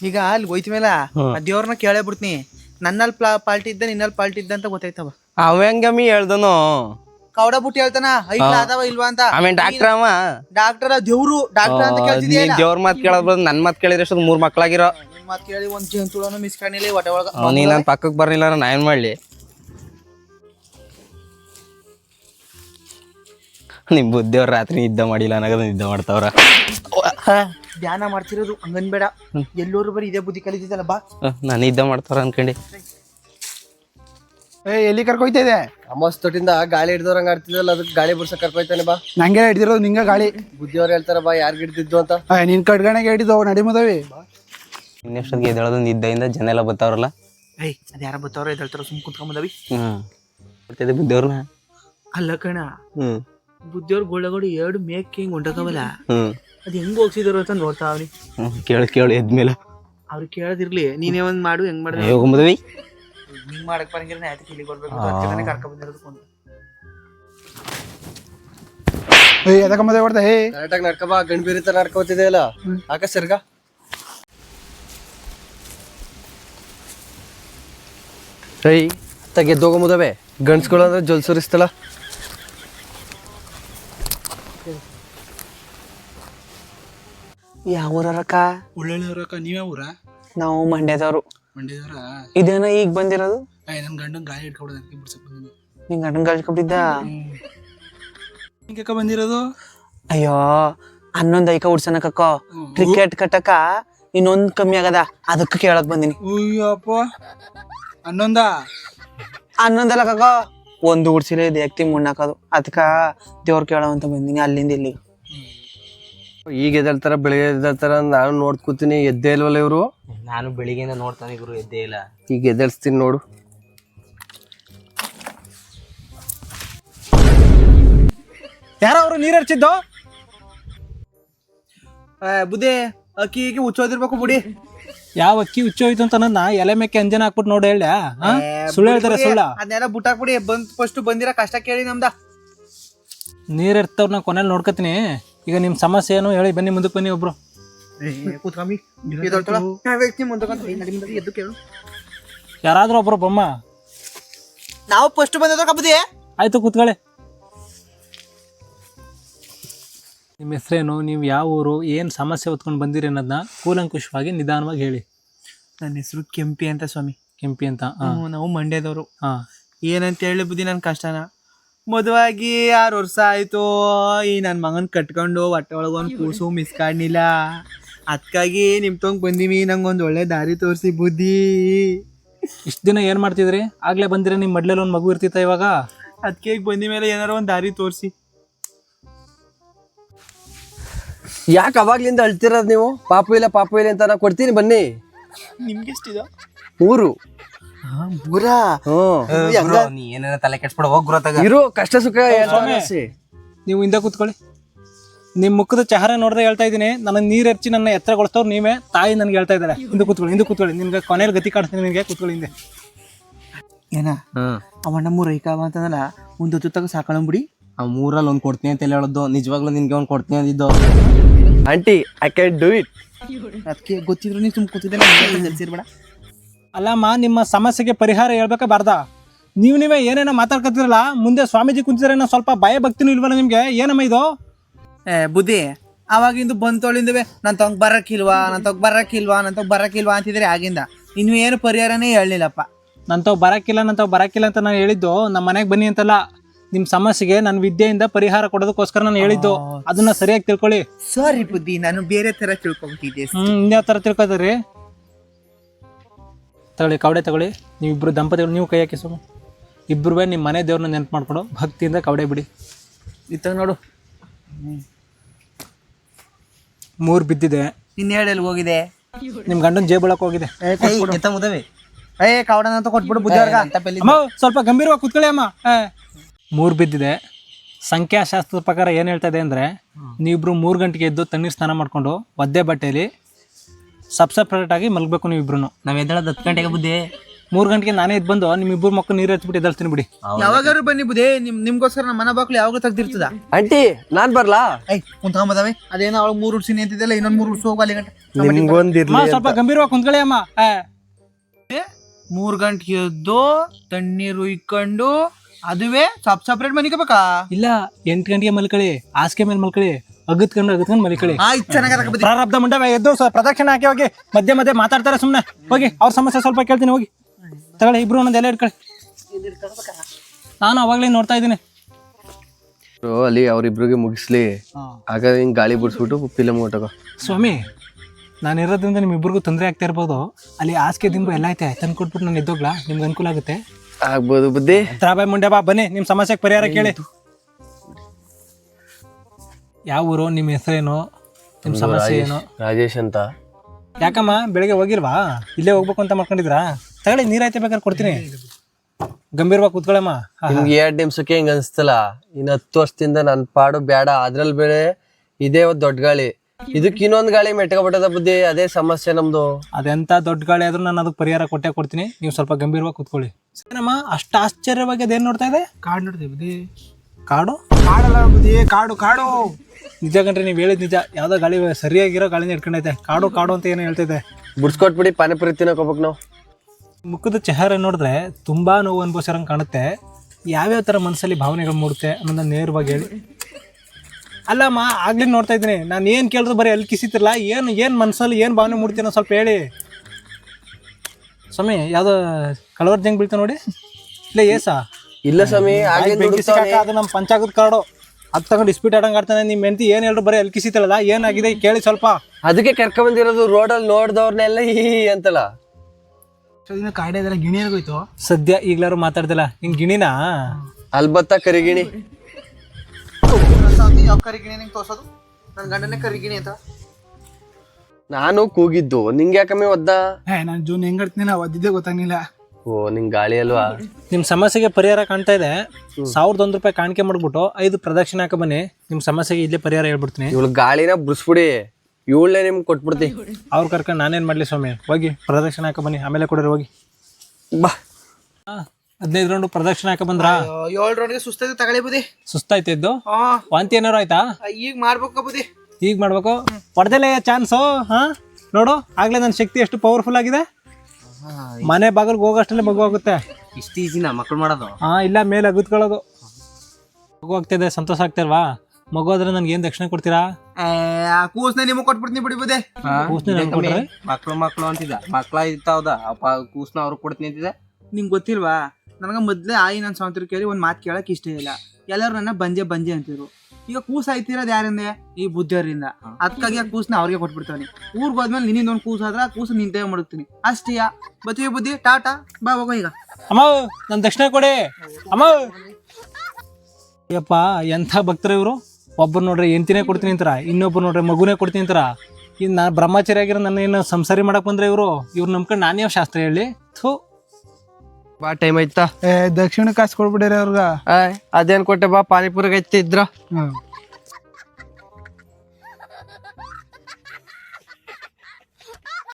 ಈಗ ಅಲ್ಲಿ ಹೋಯ್ತಿಮೇಲ ದೇವ್ರನ್ನ ಕೇಳೇ ಬಿಡ್ತೀನಿ. ನನ್ನಲ್ಲಿ ಪಾಲ್ಟಿ ಇದ್ದ ನಿನ್ನಲ್ಲಿ ಪಾಲ್ಟಿ ಇದ್ದ ಅಂತ ಗೊತ್ತಾಯ್ತವ. ಅವ ಹೆಂಗಮ್ಮಿ ಹೇಳ್ದನು ಕವಡ ಬುಟ್ಟಿ ಹೇಳ್ತಾನ ಐಕ್ಲ ಅದಾವ ಇಲ್ವಾ ಅಂತ. ಆಮೇಲೆ ಡಾಕ್ಟರ್ ದೇವ್ರು ಡಾಕ್ಟರ್ ಅಂತ ಕೇಳ್ತಿದ್ಯಾ? ದೇವ್ರ ಮಾತ್ ಕೇಳೋದ್ ನನ್ ಮಾತ್ ಕೇಳಿದ್ರೆ ಎಷ್ಟು 3 ಮಕ್ಳಾಗಿರೋ. ನಿನ್ ಮಾತ್ ಕೇಳಿ ಒಂದ್ ಜಂತುಳನು ಮಿಸ್ ಕಾಣಿಲ್ಲ ಹೊಟ್ಟೆ ಒಳಗ. ನೀ ನನ್ ಪಕ್ಕಕ್ ಬರ್ಲಿಲ್ಲ ನಾ ಏನ್ ಮಾಡ್ಲಿ? ನಿಮ್ ಬುದ್ಧಿಯವ್ರ ರಾತ್ರಿ ನಿದ್ದೆ ಮಾಡಿಲ್ಲ ಅನ್ನೋದು ನಿದ್ದೆ ಮಾಡ್ತಾವ್ರ. ಧ್ಯಾನ ಮಾಡ್ತಿರೋದು ಹಂಗನ್ ಬೇಡ. ಎಲ್ಲರೂ ಬರೀ ಇದೇ ಬುದ್ಧಿ ಕಲಿತಿದ್ದಲ್ಲ ಬಾ. ನಾನು ನಿದ್ದೆ ಮಾಡ್ತಾರ ಅನ್ಕೊಂಡಿ. ಎಲ್ಲಿ ಕರ್ಕೊಯ್ತಾ ಇದೆ? ಅಮ್ಮಸ್ ತೊಟ್ಟಿಂದ ಗಾಳಿ ಹಿಡ್ದವ್ರಂಗ ಆಡ್ತಿದ್ದಲ್ಲ, ಅದಕ್ಕೆ ಗಾಳಿ ಬಿಡ್ಸಕ್ ಕರ್ಕೊಯ್ತಾನೆ ಬಾ. ನಂಗೆ ಹಿಡ್ದಿರೋದು ನಿಂಗ ಗಾಳಿ. ಬುದ್ಧಿಯವ್ರು ಹೇಳ್ತಾರ ಬಾ ಯಾರು ಹಿಡ್ದಿದ್ದು ಅಂತ. ನಿನ್ ಕಡ್ಗಣೆಗೆ ಹಿಡಿದು ನಡಿ ಮದವಿ. ಇನ್ನೆಷ್ಟೊತ್ತಿಗೆ ಎದ್ದೇಳೋದು ನಿದ್ದೆಯಿಂದ ಜನ ಎಲ್ಲ ಬರ್ತಾವ್ರಲ್ಲ. ಅದ್ ಯಾರ ಬತ್ತವ್ರ ಎದ್ದೇಳ್ತಾರ ಸುಮ್ ಕುತ್ಕೊಂಬದವಿ. ಬರ್ತಿದ್ದೆ ಬುದ್ಧಿಯವ್ರನ್ನ. ಅಲ್ಲ ಕಣ, ಬುದ್ಧಿಯವ್ರ ಗೋಳಗೋಡು 2 ಮೇಕ್ ಹಿಂಗ್ ಹೊಂಟಕವಲ್ಲ, ಅದ್ ಹೆಂಗ್ ಹೋಗ್ಸಿದ್ರು ಅಂತ ನೋಡ್ತಾ ಅವ್ನಿ. ಕೇಳು ಎದ್ಮೇಲೆ ಅವ್ರು ಕೇಳದಿರ್ಲಿ, ನೀನೇ ಒಂದ್ ಮಾಡು. ಹೆಂಗ್ ಮಾಡಿದ್ರೆ ಹೋಗಂಬದವಿ ಹಿಂಗ್ ಮಾಡಕ್ ಬರಂಗಿಲ್ಲ. ಆಯ್ತು ಇಲ್ಲಿ ಬರ್ಬೇಕು ಅಂತ ಕರ್ಕ ಬಂದಿರೋದು. ಎದಕ್ಕ ಮದುವೆ ಮಾಡ್ದೆ? ಕರೆಕ್ಟಾಗಿ ನಡ್ಕ ಬಾ. ಗಂಡ್ಬೀರಿ ತರ ನಡ್ಕೋತಿದೆ ಅಲ್ಲ, ಆಕ ಸರ್ಗ ಗೆದ್ದೋಗ ಮುದವೆ. ಗಂಡ್ಸ್ಗಳು ಅಂದ್ರೆ ಜೊಲ್ ಸುರಿಸ್ತಲ್ಲ. ಯಾವ ಊರಕ್ಕ? ಉಳ್ಳಳ್ಳಿಯವ್ರಕ್ಕ. ನೀವೇ ಊರ? ನಾವು ಮಂಡ್ಯದವ್ರು. ಮಂಡ್ಯದವ್ರ? ಇದೇನೋ ಈಗ ಬಂದಿರೋದು? ನನ್ ಗಂಡನ್ ಗಾಳಿ ಇಟ್ಕೊಡೋದು ಅದಕ್ಕೆ ಬಿಡ್ಸಕ್ ಬಂದಿದ್ದು. ನಿನ್ ಗಂಡನ್ ಕಳ್ಸ್ಕೊಬಿಟ್ಟಿದ್ದ? ಹಿಂಗಕ್ಕ ಬಂದಿರೋದು? ಅಯ್ಯೋ 11 ಐಕ ಉಡ್ಸನಕ್ಕ ಕ್ರಿಕೆಟ್ ಕಟ್ಟಕ ಇನ್ನೊಂದ್ ಕಮ್ಮಿ ಆಗದ, ಅದಕ್ಕೆ ಕೇಳಕ್ ಬಂದಿನಿ. ಅಯ್ಯಪ್ಪ 11? 11 ಅಲ್ಲ ಕಕ್ಕ, 1 ಉಡ್ಸಿಲ್ಲ. ಇದು ಯಾಕ್ತಿ ಮುಣ್ಣಾಕದು, ಅದಕ್ಕ ದೇವ್ರ ಕೇಳೋ ಅಂತ ಬಂದಿನಿ ಅಲ್ಲಿಂದ ಇಲ್ಲಿಗೆ. ಈಗ ಎದ್ದೇಳ್ತಾರ, ಬೆಳಿಗ್ಗೆ ಎದ್ದೇಳ್ತಾರ. ನಾನು ನೋಡ್ ಕೂತೀನಿ, ಎದ್ದೇ ಇಲ್ವಲ್ಲ ಇವ್ರು. ನಾನು ಬೆಳಿಗ್ಗೆಯಿಂದ ನೋಡ್ತಾನೆ ಗುರು, ಎದ್ದೇ ಇಲ್ಲ. ಈಗ ಎದ್ದೇಳ್ಸ್ತೀನಿ ನೋಡು. ಯಾರ ಅವ್ರು ನೀರ್ ಹರ್ಚಿದ್ದು? ಬುದ್ಧಿ ಅಕ್ಕಿಗೆ ಹುಚ್ಚೋದಿರ್ಬೇಕು ಬುಡಿ. ಯಾವ ಅಕ್ಕಿ ಹುಚ್ಚೋಯ್ತು ಅಂತ ನನ್ನ ಎಲೆ ಮೇಕೆ ಅಂಜನ ಹಾಕ್ಬಿಟ್ಟು ನೋಡಿ ಹೇಳ. ಸುಳ್ಳು ಹೇಳ್ತಾರೆ, ಸುಳ್ಳ. ಅದನ್ನೆಲ್ಲ ಬುಟ್ಟಾಕ್ಬಿಡಿ. ಫಸ್ಟ್ ಬಂದಿರೋ ಕಷ್ಟ ಕೇಳಿ ನಮ್ದ. ನೀರ್ ಇರ್ತವ್ರನ್ನ ಕೊನೆಯಲ್ಲಿ ನೋಡ್ಕೊತೀನಿ. ಈಗ ನಿಮ್ ಸಮಸ್ಯೆ ಏನು ಹೇಳಿ, ಬನ್ನಿ ಮುಂದಕ್ಕೆ ಬನ್ನಿ ಒಬ್ರು. ಕೂತ್ಕೊಂಬಿ. ಎದ್ದು ಕೇಳು. ಯಾರಾದ್ರೂ ಒಬ್ರು ಬೊಮ್ಮ. ನಾವು ಫಸ್ಟ್ ಬಂದಿದ್ರ ಕಬ್ಬದಿ. ಆಯ್ತು ಕೂತ್ಕೊಳ್ಳಿ. ನಿಮ್ಮ ಹೆಸರೇನು, ನೀವು ಯಾವ ಊರು, ಏನು ಸಮಸ್ಯೆ ಹೊತ್ಕೊಂಡು ಬಂದಿರಿ ಅನ್ನೋದನ್ನ ಕೂಲಂಕುಷವಾಗಿ ನಿಧಾನವಾಗಿ ಹೇಳಿ. ನನ್ನ ಹೆಸರು ಕೆಂಪಿ ಅಂತ ಸ್ವಾಮಿ. ಕೆಂಪಿ ಅಂತ. ನಾವು ಮಂಡ್ಯದವರು. ಏನಂತ ಹೇಳಿ ಬುದ್ಧಿ ನನ್ನ ಕಷ್ಟನ. ಮದುವಾಗಿ 6 ವರ್ಷ ಆಯ್ತು. ಈ ನನ್ನ ಮಗನ್ ಕಟ್ಕೊಂಡು ಹೊಟ್ಟೆ ಒಳಗೆ ಒಂದು ಕೂಸು ಮಿಸ್ ಕಾಡ್ನಿಲ್ಲ. ಅದಕ್ಕಾಗಿ ನಿಮ್ ತೊಂಗ್ ಬಂದಿವಿ. ನಂಗೊಂದು ಒಳ್ಳೆ ದಾರಿ ತೋರಿಸಿ ಬುದ್ಧಿ. ಇಷ್ಟು ದಿನ ಏನು ಮಾಡ್ತಿದ್ರಿ? ಆಗ್ಲೇ ಬಂದಿರ, ನಿಮ್ಮ ಮಡ್ಲಲ್ಲಿ ಒಂದು ಮಗು ಇರ್ತಿತ್ತ ಇವಾಗ. ಅದಕ್ಕೆ ಈಗ ಬಂದಿ ಮೇಲೆ ಏನಾರ ಒಂದು ದಾರಿ ತೋರಿಸಿ. ಯಾಕೆ ಅವಾಗ್ಲಿಂದ ಅಳ್ತಿರೋದು ನೀವು? ಪಾಪು ಇಲ್ಲ ಅಂತ ನಾ ಕೊಡ್ತೀನಿ, ಬನ್ನಿ. ನಿಮ್ಗೆ ಎಷ್ಟಿದ? 3. ನೀ ಏನೇನ ತಲೆ ಕೆಡ್ಸ್ಬಿಡ, ಹೋಗ್ ಗುರತಾಗ ಇರೋ ಕಷ್ಟ ಸುಖ. ನೀವು ಹಿಂದೆ ಕೂತ್ಕೊಳ್ಳಿ. ನಿಮ್ಮ ಮುಖದ ಚಹರೆ ನೋಡ್ದೆ ಹೇಳ್ತಾ ಇದ್ದೀನಿ. ನನ್ನ ನೀರು ಹೆಚ್ಚಿ ನನ್ನ ಎತ್ತರಗೊಳಿಸ್ತವ್ರು ನೀವೇ. ತಾಯಿ ನನ್ಗೆ ಹೇಳ್ತಾ ಇದ್ದಾರೆ, ಹಿಂದೆ ಕೂತ್ಕೊಳ್ಳಿ. ನಿನ್ಗೆ ಕೊನೆಯಲ್ಲಿ ಗತಿ ಕಾಣಿಸ್ತೀನಿ ನಿನಗೆ. ಕೂತ್ಕೊಳ್ಳಿ ಹಿಂದೆ. ಏನ ಅವಣ್ಣ 3 ಐಕ ಅಂತಂದಲ್ಲ, ಒಂದು ಹೊತ್ತು ತಗ ಸಾಕೊಳ್ಳಂಬಿಡಿ. ಆ 3ರಲ್ಲಿ 1 ಕೊಡ್ತೀನಿ ಅಂತ ಹೇಳೋದು, ನಿಜವಾಗ್ಲೂ ನಿನ್ಗೆ 1 ಕೊಡ್ತೀನಿ ಅಂದಿದ್ದು. Aunty, I can do it. ಅದಕ್ಕೆ ಗೊತ್ತಿದ್ರು ನೀವು ಸುಮ್ ಕೂತಿದ್ದೆ. ಅಲ್ಲಮ್ಮ, ನಿಮ್ಮ ಸಮಸ್ಯೆಗೆ ಪರಿಹಾರ ಹೇಳ್ಬೇಕಾ ಬಾರ್ದಾ? ನೀವೇ ಏನೇನೋ ಮಾತಾಡ್ಕೊತಿರಲ್ಲ. ಮುಂದೆ ಸ್ವಾಮೀಜಿ ಕುಂತಿದ್ರೆ ಸ್ವಲ್ಪ ಭಯ ಭಕ್ತಿನೂ ಇಲ್ವಲ್ಲ ನಿಮ್ಗೆ? ಏನಮ್ಮ ಇದು? ಬುದ್ಧಿ ಅವಾಗಿಂದು ಬಂತೋಳಿಂದವೆ ನಾನು ತಗೊಂಡ್ ಬರಕ್ಕಿಲ್ವಾ ಅಂತಿದ್ರೆ ಆಗಿಂದ ಇನ್ನು ಏನು ಪರಿಹಾರನೇ ಹೇಳಿಲ್ಲಪ್ಪ. ನಂತವ್ ಬರಕ್ಕಿಲ್ಲ ಅಂತ ನಾನು ಹೇಳಿದ್ದು ನಮ್ಮ ಮನೆಗೆ ಬನ್ನಿ ಅಂತಲ್ಲ. ನಿಮ್ಮ ಸಮಸ್ಯೆಗೆ ನನ್ನ ವಿದ್ಯೆಯಿಂದ ಪರಿಹಾರ ಕೊಡೋದಕ್ಕೋಸ್ಕರ ನಾನು ಹೇಳಿದ್ದು. ಅದನ್ನ ಸರಿಯಾಗಿ ತಿಳ್ಕೊಳ್ಳಿ. ಸಾರಿ ಬುದ್ಧಿ, ನಾನು ಬೇರೆ ತರ ತಿಳ್ಕೊಂಬಿಟ್ಟಿದ್ದೆ. ಇನ್ಯಾವ ತರ ತಿಳ್ಕೊತೀರಿ? ತಗೊಳ್ಳಿ, ಕವಡೆ ತಗೊಳ್ಳಿ. ನೀವಿಬ್ರು ದಂಪತಿಗಳು ನೀವು ಕೈ ಹಾಕಿ ಸುಮ್ಮ. ಇಬ್ಬರು ನಿಮ್ಮ ಮನೆ ದೇವ್ರನ್ನ ನೆನಪು ಮಾಡ್ಕೊಡು. ಭಕ್ತಿಯಿಂದ ಕವಡೆ ಬಿಡಿ. ಇತ್ತ ನೋಡು, 3 ಬಿದ್ದಿದೆ. ಇನ್ನೇಳು ಹೋಗಿದೆ. ನಿಮ್ಮ ಗಂಡನ ಜೇಬಳಕ್ಕೆ ಹೋಗಿದೆ. ಕವಡನ ಅಂತ ಕೊಟ್ಬಿಡು ಬುದ್ಧಿ. ಅಮ್ಮ ಸ್ವಲ್ಪ ಗಂಭೀರವಾಗಿ ಕೂತ್ಕೊಳ್ಳಿ ಅಮ್ಮ. 3 ಬಿದ್ದಿದೆ. ಸಂಖ್ಯಾಶಾಸ್ತ್ರದ ಪ್ರಕಾರ ಏನು ಹೇಳ್ತಾ ಇದೆ ಅಂದರೆ, ನೀವಿಬ್ರು 3 ಗಂಟೆಗೆ ಎದ್ದು ತಣ್ಣೀರು ಸ್ನಾನ ಮಾಡಿಕೊಂಡು ಒದ್ದೆ ಬಟ್ಟೆಯಲ್ಲಿ ಸಪ್ರೇಟ್ ಆಗಿ ಮಲಗಬೇಕು ನೀವಿಬ್ರು. ನಾವು ಎದ್ದೇಳೋದು 10 ಗಂಟೆಗೆ ಬುದ್ಧಿ. 3 ಗಂಟೆಗೆ ನಾನೇ ಎದ್ದು ಬಂದು ನಿಮ್ಮಿಬ್ಬರು ಮಕ್ಕಳು ನೀರು ಹಚ್ಬಿಟ್ಟು ಎದಳ್ತೀನಿ ಬಿಡಿ. ಯಾವಾಗಾರು ಬನ್ನಿ ಬುದೇ, ನಿಮ್ಗೋಸ್ಕರ ನಮ್ಮ ಮನೆ ಬಾಕ್ಲು ಯಾವಾಗ ತೆಗ್ದಿರ್ತದ. ಆಂಟಿ ನಾನ್ ಬರ್ಲಾ? ಕುಂತ್ಕೊಂಬದಾವೆ ಅದೇನೋ ಅವಳು 3 ಉಡ್ಸಿ ನಿಂತಿದ್ದಲ್ಲ, ಇನ್ನೊಂದು 3 ಉಡ್ಸಿ ಹೋಗು ಅಲ್ಲಿ ಗಂಟೆ. ನಿಮ್ಗೊಂದಿರ್ಲಿ ಅಮ್ಮ, ಸ್ವಲ್ಪ ಗಂಭೀರವಾಗಿ ಕುಂತ್ಕೊಳ್ಳಿ ಅಮ್ಮ. 3 ಗಂಟೆಗೆ ಎದ್ದು ತಣ್ಣೀರು ಇಕ್ಕೊಂಡು ಅದುವೇ ಸಪ್ರೇಟ್ ಮನಿಕಬೇಕಾ? ಇಲ್ಲ, 8 ಗಂಟೆಗೆ ಮಲ್ಕೊಳ್ಳಿ, ಹಾಸಿಗೆ ಮೇಲೆ ಮಲ್ಕೊಳ್ಳಿ, ಅಗತ್ಕೊಂಡು ಮಲ್ಕೊಳ್ಳಿ. ಚೆನ್ನಾಗಿ ಪ್ರಾರಬ್ಧ ಮುಂಡವೆ ಎದ್ದು ಪ್ರದಕ್ಷಿಣೆ ಹಾಕಿ ಹೋಗಿ. ಮಧ್ಯೆ ಮಧ್ಯೆ ಮಾತಾಡ್ತಾರೆ ಸುಮ್ಮನೆ. ಹೋಗಿ ಅವ್ರ ಸಮಸ್ಯೆ ಸ್ವಲ್ಪ ಕೇಳ್ತೀನಿ, ಹೋಗಿ ತಗೊಳ್ಳಿ, ಇಬ್ರು ಒಂದೊಂದು ಎಲೆ ಇಟ್ಕೊಳ್ಳಿ. ನಾನು ಅವಾಗಲೇ ನೋಡ್ತಾ ಇದ್ದೀನಿ. ಅಲ್ಲಿ ಅವ್ರಿಬ್ರಿಗೆ ಮುಗಿಸ್ಲಿ, ಆಗ ಹಿಂಗ್ ಗಾಳಿ ಬಿಡ್ಸ್ಬಿಟ್ಟು ಫಿಲಮ್ ಹೊಟ್ಟೋಗ. ಸ್ವಾಮಿ, ನಾನು ಇರೋದ್ರಿಂದ ನಿಮ್ಮಿಬ್ಬರಿಗೂ ತೊಂದರೆ ಆಗ್ತಾ ಇರ್ಬೋದು. ಅಲ್ಲಿ ಹಾಸಿಗೆ ದಿಂಬು ಎಲ್ಲ ಐತೆ, ತಂದು ಕೊಟ್ಬಿಟ್ಟು ನಾನು ಎದ್ದೋಗ್ಲಾ? ನಿಮ್ಗೆ ಅನುಕೂಲ ಆಗುತ್ತೆ. ಆಗ್ಬೋದು ಬುದ್ಧಿ. ತ್ರಾಬಾಯ್ ಮುಂಡೆ ಬಾ, ಬನ್ನಿ ನಿಮ್ಮ ಸಮಸ್ಯೆಗೆ ಪರಿಹಾರ ಕೇಳಿ. ಯಾವ ಊರು, ನಿಮ್ಮ ಹೆಸರೇನು, ನಿಮ್ಮ ಸಮಸ್ಯೆ ಏನು? ರಾಜೇಶ್ ಅಂತ. ಯಾಕಮ್ಮ ಬೆಳಿಗ್ಗೆ ಹೋಗಿಲ್ವಾ? ಇಲ್ಲೇ ಹೋಗ್ಬೇಕು ಅಂತ ಮಾಡ್ಕೊಂಡಿದ್ರಾ? ತಗೊಳ್ಳಿ, ನೀರೈತೆ ಬೇಕಾದ್ರೆ ಕೊಡ್ತೀನಿ. ಗಂಭೀರವಾಗಿ ಕೂತ್ಕೊಳ್ಳಮ್ಮ. ನಿಮ್ಗೆ 2 ನಿಮಿಷಕ್ಕೆ ಹಿಂಗ ಅನ್ಸ್ತಲ್ಲ, ಇನ್ನು 10 ವರ್ಷದಿಂದ ನನ್ ಪಾಡು ಬೇಡ, ಅದ್ರಲ್ಲಿ ಬೇರೆ ಇದೇ ಒಂದ್ ದೊಡ್ಡ ಗಾಳಿ, ಇದಕ್ಕೆ ಇನ್ನೊಂದ್ ಗಾಳಿ ಮೆಟ್ಕೊಬಿಟ್ಟದ ಬುದ್ಧಿ. ಅದೇ ಸಮಸ್ಯೆ ನಮ್ದು. ಅದೆಂತ ದೊಡ್ಡ ಗಾಳಿ ಆದ್ರೂ ನಾನು ಅದಕ್ಕೆ ಪರಿಹಾರ ಕೊಡ್ತೀನಿ. ನೀವು ಸ್ವಲ್ಪ ಗಂಭೀರವಾಗಿ ಕೂತ್ಕೊಳ್ಳಿ. ಏನಮ್ಮ ಅಷ್ಟು ಆಶ್ಚರ್ಯವಾಗಿ ಅದೇನು ನೋಡ್ತಾ ಇದೆ? ಕಾಡು ನೋಡ್ತೀವಿ ಬುದ್ಧಿ. ಕಾಡು? ಕಾಡಲ್ಲ ಬುದ್ಧಿ, ಕಾಡು ಕಾಡು. ನಿಜ ಗಂಟ್ರೆ, ನೀವು ಹೇಳಿದ್ ನಿಜ. ಯಾವ್ದೋ ಗಾಳಿ ಸರಿಯಾಗಿರೋ ಗಾಳಿನ ಇಟ್ಕೊಂಡೈತೆ. ಕಾಡು ಕಾಡು ಅಂತ ಏನೋ ಹೇಳ್ತೈತೆ. ಬಿಡ್ಸ್ಕೊಟ್ಬಿಡಿ, ಪಾನಿಪುರಿ ತಿನ್ನಕ್ ಹೋಗ್ಬೇಕು ನಾವು. ಮುಖದ ಚೆಹರೆ ನೋಡಿದ್ರೆ ತುಂಬಾ ನೋವು ಅನುಭವಿಸೋರಂಗೆ ಕಾಣುತ್ತೆ. ಯಾವ್ಯಾವ ಥರ ಮನಸ್ಸಲ್ಲಿ ಭಾವನೆಗಳು ಮೂಡುತ್ತೆ ಅನ್ನೋದನ್ನ ನೇರವಾಗಿ ಹೇಳಿ. ಅಲ್ಲಮ್ಮ, ಆಗ್ಲೇ ನೋಡ್ತಾ ಇದ್ದೀನಿ, ನಾನು ಏನು ಕೇಳಿದ್ರು ಬರೀ ಅಲ್ಲಿ ಕಿಸಿತಿರಲ್ಲ. ಏನು ಮನಸ್ಸಲ್ಲಿ ಏನು ಭಾವನೆ ಮೂಡ್ತೀನೋ ಸ್ವಲ್ಪ ಹೇಳಿ. ಸ್ವಾಮಿ, ಯಾವುದೋ ಕಳವರ್ ಜಂಗ್ ಬೀಳ್ತಾ ನೋಡಿ. ಇಲ್ಲ ಏಸಾ? ಇಲ್ಲ ಸ್ವಾಮಿ, ಅದು ನಮ್ಮ ಪಂಚಾಗದ ಕಾರ್ಡು. ಅದು ತಗೊಂಡು ಡಿಸ್ಪ್ಯೂಟ್ ಆಡಂಗೆ ಆಡ್ತಾನೆ. ನಿಮ್ಮ ಹೆಂಡತಿ ಏನು ಹೇಳಿದ್ರು ಬರೀ ಅಲ್ಲಿ ಕಿಸಿತಿರಲ್ಲ. ಏನಾಗಿದೆ ಕೇಳಿ ಸ್ವಲ್ಪ. ಅದಕ್ಕೆ ಕರ್ಕೊಂಡ್ ಬಂದಿರೋದು. ರೋಡಲ್ಲಿ ನೋಡ್ದವ್ರನ್ನೆಲ್ಲ ಅಂತಲ್ಲ. ಕಾಯಿಡೆ ಇದೆಲ್ಲ ಗಿಣಿಯಾಗೋಯ್ತು. ಸದ್ಯ ಈಗ್ಲಾರು ಮಾತಾಡ್ತಿಲ್ಲ. ಹಿಂಗೆ ಗಿಣಿನಾ? ಅಲ್ಬತ್ತ ಕರಿಗಿಣಿ. ಯಾವ ಕರಿಗಿಣಿ ನಿಂಗೆ ತೋರ್ಸೋದು? ನನ್ನ ಗಂಡನೇ ಕರಿಗಿಣಿ ಅಂತ. ನಾನು ಕೂಗಿದ್ದು ನಿಂಗೆ ಯಾಕಮ್ಮೆ ಒದ್ದ? ನಾನು ಜೂನ್ ಹೆಂಗಡ್ತೀನಿ ನಾವು ಒದ್ದಿದ್ದೇ ಗೊತ್ತಾಗಿಲ್ಲ. ಓ, ನಿಂಗ್ ಗಾಳಿ ಅಲ್ವಾ? ನಿಮ್ಮ ಸಮಸ್ಯೆಗೆ ಪರಿಹಾರ ಕಾಣ್ತಾ ಇದೆ. 1001 ರೂಪಾಯಿ ಕಾಣಿಕೆ ಮಾಡ್ಬಿಟ್ಟು 5 ಪ್ರದಕ್ಷಿಣೆ ಹಾಕ ಬನ್ನಿ. ನಿಮ್ಮ ಸಮಸ್ಯೆಗೆ ಇಲ್ಲೇ ಪರಿಹಾರ ಹೇಳ್ಬಿಡ್ತೀನಿ. ಇವಳು ಗಾಳಿನ ಬಿಡಿಸ್ಬಿಡಿ, ಇವಳನ್ನೇ ನಿಮ್ಗೆ ಕೊಟ್ಬಿಡ್ತಿ. ಅವ್ರ ಕರ್ಕೊಂಡು ನಾನೇನು ಮಾಡಲಿ ಸ್ವಾಮಿ? ಹೋಗಿ ಪ್ರದಕ್ಷಿಣೆ ಹಾಕ ಬನ್ನಿ, ಆಮೇಲೆ ಕೊಡೋರು ಹೋಗಿ. ಬಾ. 15 ರೌಂಡ್ ಪ್ರದಕ್ಷಿಣೆ ಹಾಕ ಬಂದ್ರಾ? 7 ರೌಂಡ್ಗೆ ಸುಸ್ತಾಯ್ತು, ತಗೊಳ್ಳಿ ಬುದ್ಧಿ. ಸುಸ್ತಾಯ್ತಿದ್ದು? ವಾಂತಿ ಏನಾರು ಆಯ್ತಾ? ಈಗ ಮಾಡ್ಬೇಕು ಬುದ್ಧಿ. ಈಗ ಮಾಡ್ಬೇಕು? ಹೊಡೆದಲೇ ಚಾನ್ಸು. ನೋಡು, ಆಗ್ಲೇ ನನ್ನ ಶಕ್ತಿ ಎಷ್ಟು ಪವರ್ಫುಲ್ ಆಗಿದೆ. ಮನೆ ಬಾಗಿಲ್ಗೆ ಹೋಗೋಷ್ಟಲ್ಲೇ ಮಗು ಆಗುತ್ತೆ. ಇಷ್ಟು ಈಸಿನ ಮಕ್ಳು ಮಾಡೋದು? ಇಲ್ಲ, ಮೇಲೆ ಅಗತ್ಕೊಳ್ಳೋದು. ಮಗು ಆಗ್ತಿದೆ, ಸಂತೋಷ ಆಗ್ತಿಲ್ವಾ? ಮಗು ಆದ್ರೆ ನನ್ಗೆ ಏನ್ ದಕ್ಷಿಣೆ ಕೊಡ್ತೀರಾ? ಕೂಸ್ನ ನಿಮಗೆ ಕೊಟ್ಬಿಡ್ತೀನಿ ಬಿಡಿ ಬುದ್ಧಿ. ಮಕ್ಳು ಅಂತಿದ್ದ, ಮಕ್ಳ ಇರ್ತಾವದ ಅಪ್ಪ ಕೂಸ್ನ ಅವ್ರು ಕೊಡ್ತೀನಿ ಅಂತಿದ್ದೆ. ನಿಮ್ಗೆ ಗೊತ್ತಿಲ್ವಾ, ನನಗೆ ಮೊದಲೇ ಆಯಿ ನನ್ನ ಸ್ವಂತ ಕೇಳಿ ಒಂದು ಮಾತು ಕೇಳಕ್ ಇಷ್ಟ ಇಲ್ಲ. ಎಲ್ಲರೂ ನನ್ನ ಬಂಜೆ ಅಂತಿರು. ಈಗ ಕೂಸ ಆಯ್ತಿರೋದು ಯಾರಿಂದ? ಈ ಬುದ್ಧಿಯವರಿಂದ. ಅದಕ್ಕಾಗಿ ಆ ಕೂಸನ್ನ ಅವ್ರಿಗೆ ಕೊಟ್ಬಿಡ್ತಾನೆ. ಊರಿಗೆ ಹೋದ್ಮೇಲೆ ನಿನ್ನಿಂದ ಒಂದು ಕೂಸ ಆದ್ರೆ ಆ ಕೂಸ ನಿಂತೇ ಮಾಡುತ್ತೀನಿ ಅಷ್ಟೇಯಾ. ಬತ್ತೀವಿ ಬುದ್ಧಿ, ಟಾಟಾ, ಬಾ ಹೋಗೋ ಈಗ. ಅಮ್ಮ, ನನ್ನ ದಕ್ಷಿಣೆ ಕೊಡಿ ಅಮ್ಮ. ಯಪ್ಪ, ಎಂಥ ಭಕ್ತರು ಇವರು. ಒಬ್ಬರು ನೋಡ್ರೆ ಎಂತಿನೇ ಕೊಡ್ತೀನಿ ಅಂತಾರ, ಇನ್ನೊಬ್ರು ನೋಡ್ರೆ ಮಗುನೇ ಕೊಡ್ತೀನಿ ಅಂತಾರ. ಇನ್ನು ನಾನು ಬ್ರಹ್ಮಚಾರಿ ಆಗಿರೋ ನನ್ನ ಏನು ಸಂಸಾರಿ ಮಾಡಕ್ ಬಂದ್ರೆ ಇವ್ರು ನಂಬ್ಕೊಂಡು ನಾನೇ ಶಾಸ್ತ್ರ ಹೇಳಿ. ಥೂ, ಬಾ, ಟೈಮ್ ಆಯ್ತಾ? ದಕ್ಷಿಣ ಕಾಸು ಕೊಡ್ಬಿಡ್ರಿ ಅವ್ರಗ. ಅದೇನ್ ಕೊಟ್ಟೆ ಬಾ, ಪಾನಿಪುರಿಗೆ ಐತಿ ಇದ್ರ.